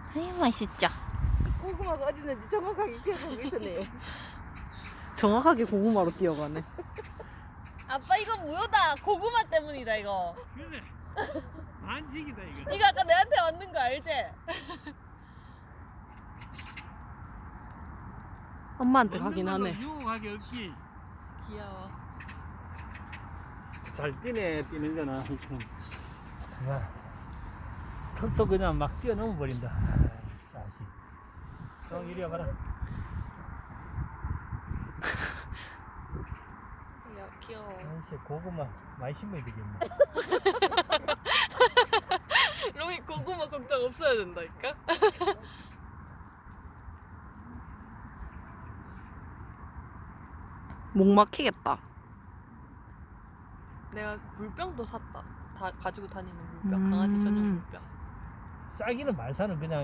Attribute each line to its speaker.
Speaker 1: 아유 맛있죠.
Speaker 2: 고구마가 어디 있는지 정확하게 기억하고 있었네요.
Speaker 1: 정확하게 고구마로 뛰어가네.
Speaker 2: 아빠 이거 무효다. 고구마 때문이다 이거.
Speaker 3: 그래. 안식이다 이거.
Speaker 2: 이거 아까 내한테 왔는 거 알지?
Speaker 1: 엄마한테 가긴
Speaker 3: 먹는 걸로
Speaker 1: 하네.
Speaker 3: 유혹하게 없기.
Speaker 2: 귀여워.
Speaker 3: 잘 뛰네 뛰는 거는. 야, 턱도 그냥 막 뛰어넘어 버린다. 자식. 형 이리 와봐라.
Speaker 2: 귀여워.
Speaker 3: 아이씨 고구마 많이 심어야 되겠네.
Speaker 2: 롱이 고구마 걱정 없어야 된다니까?
Speaker 1: 목 막히겠다.
Speaker 2: 내가 물병도 샀다. 다 가지고 다니는 물병. 강아지 전용 물병.
Speaker 3: 쌀기는 말사는 그냥